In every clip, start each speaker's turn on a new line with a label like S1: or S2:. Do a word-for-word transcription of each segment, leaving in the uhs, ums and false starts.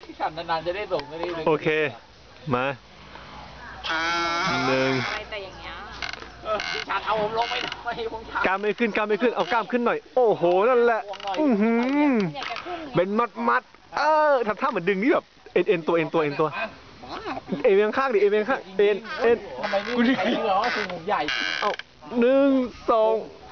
S1: ฉันนานๆจะได้ส่งก็ได้เลย
S2: โอเคมาหนึ่ง
S3: แต่อย่างเงี้ย
S1: พี่ฉันเอาผมลงไปหน่อยผมฉัน
S2: กล้ามไม่ขึ้นกล้ามไม่ขึ้นเอากล้ามขึ้นหน่อยโอ้โหนั่นแหละอือหือเป็นมัดมัดเออทำท่าเหมือนดึงนี่แบบเอ็นเอ็นตัวเอ็นตัวเอ็นตัวเอ็นเอียงข้างดิเอ็นเอียงข้างเอ็นเอ็น
S1: ทำไมไม่มีใครเชื่อว่าคุณผมใหญ่
S2: เอาหนึ่งสอง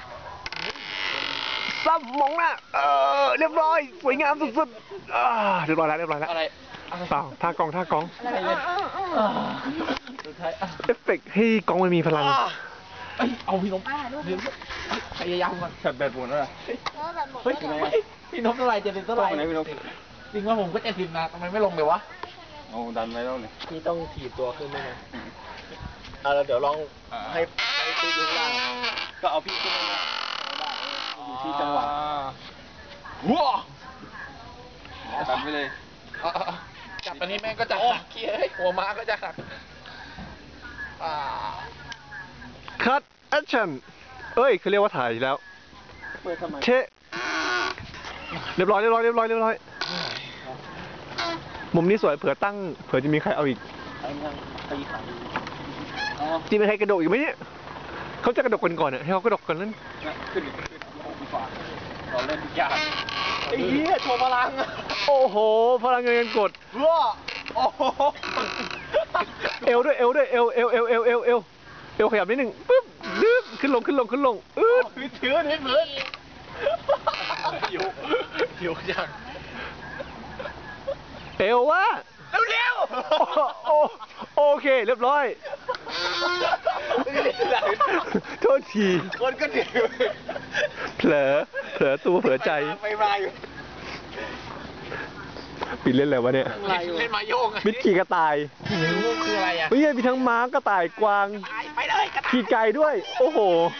S2: ซับมองหน้าเออเรียบร้อยสวยงามสุดๆอ่าเรียบร้อยแล้วเรียบร้อยแล้ว
S1: อะไร
S2: เปล่าท่ากองท่ากอง
S1: อะไรเนี่ยสุดท้าย
S2: เอฟเฟกต์ให้กองมันมีพลัง
S1: เอาพี่นมพยายามก่อนฉันแบตหมดแล้วเฮ้ยพี่นมเท่าไหร่เจ็ดสิบเท่าไหร่จริงว่าผมก็เจ็ดสิบนะทำไมไม่ลงเลยวะ
S4: โอ้ดันไว้แล้วเนี่ย
S1: พี่ต้องถีบตัวขึ้นด้วยนะอ่าแล้วเดี๋ยวลองให้ให้ตีอยู่ล่าง
S4: ก็เอาพี่ขึ้นมา
S1: อยู่ที่จังหวะ
S4: ว้าดันไปเลย
S1: จับอันนี้แม่งก็จะหักขี้เฮ้ยหัวม้าก็จะหัก
S2: คัทแอคชั่นเอ้ยเขาเรียกว่าถ่ายแล้วเชะเรียบร้อยเรียบร้อยเรียบร้อยเรียบร้อยมุมนี้สวยเผื่อตั้งเผื่อจะมีใครเอาอีกจีมีใครกระโดดอีกไหมเนี่ยเขาจะกระโดดกันก่อนเนี่ยให้เขากระโดดกันนั้น
S4: ขึ้นเราเล่นทุกอย่าง
S1: ไอ้เหี้ยโชว์พลัง
S2: โอ้โหพลังเงินกด
S1: ว้าโอ้โห
S2: เอวด้วยเอวด้วยเอวเอวเอวเอวเอวเอวเอวขยับนิดหนึ่งปึ๊บดึ๊บขึ้นลงขึ้นลงขึ้นลงอืด
S1: ถือนิดเหมือนอยู่อยู่ยัง
S2: เอววะ
S1: เร็ว
S2: โอโอเคเรียบร้อยโทษที
S1: คนก็ถือ
S2: เผลอเผลอตัวเผลอใจ
S1: ไปมาอยู่
S2: ปิดเล่นอะไรวะเนี่ย
S1: เล่นมาโยง
S2: มิดขี่กระต่าย
S1: คืออะไรอ่ะ
S2: ไม่ใช่มีทั้งม้ากระต่ายกวาง
S1: ไปเลย
S2: ขี่ไก่ด้วยโอ้โห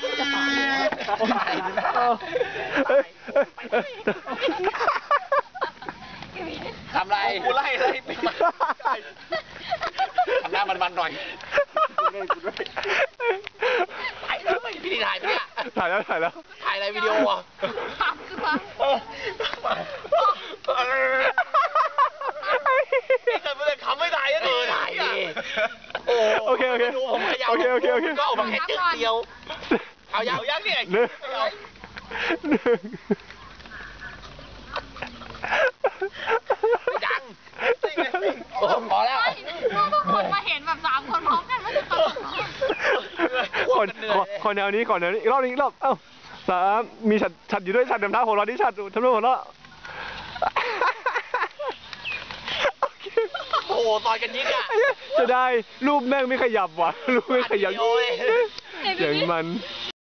S1: ทำไรกูไล่ไล่ไปทำหน้ามันๆหน่อยถ่ายแล้วพี่ถ่ายไปเนี่ย
S2: ถ่ายแล้วถ่ายแล้ว
S1: ถ่ายอะไรวิดีโออ่ะแต่เมื่อคำไม่ถ่ายก็เออถ่ายดิ
S2: โอเคโอเคโอเคโอเคโอเค
S1: ก็ออกมาแค่จึ๊กเดียวเอายังยังเนี่ย
S2: หนึ่ง
S1: ยังโอ้พอแล้ว
S3: ทุกคนมาเห็นแบบสามคนพร้อมกันไม่ตลก
S2: คนคนแนวนี้ก่อนแนวนี้อีกรอบนึงอีกรอบเอ้าสามมีฉัดฉัดอยู่ด้วยฉัดดำท้าหัวเราะที่ฉัดทำด้วยหัวเราะ
S1: โอ้ต่อยกันยิงอ่ะ
S2: จะได้รูปแม่งไม่ขยับว่ะรูปไม่ขยับอย่างมัน